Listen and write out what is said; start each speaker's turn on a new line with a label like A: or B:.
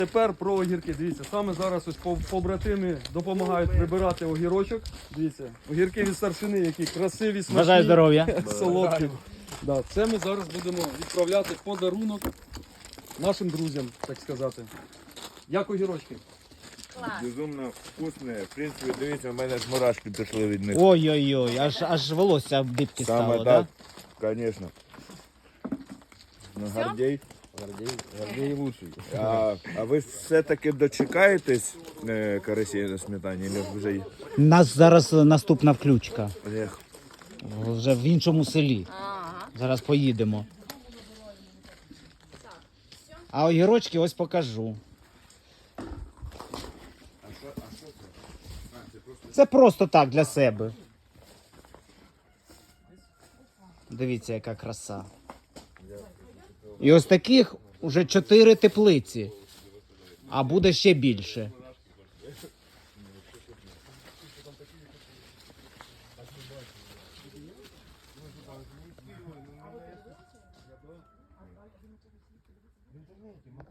A: Тепер про огірки. Дивіться, саме зараз ось побратими допомагають прибирати огірочок. Дивіться, огірки від старшини, які красиві, смачні.
B: Бажаю здоров'я.
A: Солодкі. Да, це ми зараз будемо відправляти в подарунок нашим друзям, так сказати. Як огірочки?
C: Безумно вкусне. В принципі, дивіться, у мене ж мурашки пішли від них.
B: Ой-ой-ой, аж волосся дибки стало,
C: Саме
B: так?
C: так, звісно. Ну, Гордій.
D: Гордей лучший.
C: А ви все-таки дочекаєтесь карасі на сметані? Чи вже є?
B: У нас зараз наступна включка.
C: Ех,
B: Вже в іншому селі. Зараз поїдемо. А огірочки ось покажу. Це просто так для себе. Дивіться, яка краса. І ось таких уже 4 теплиці. А буде ще більше.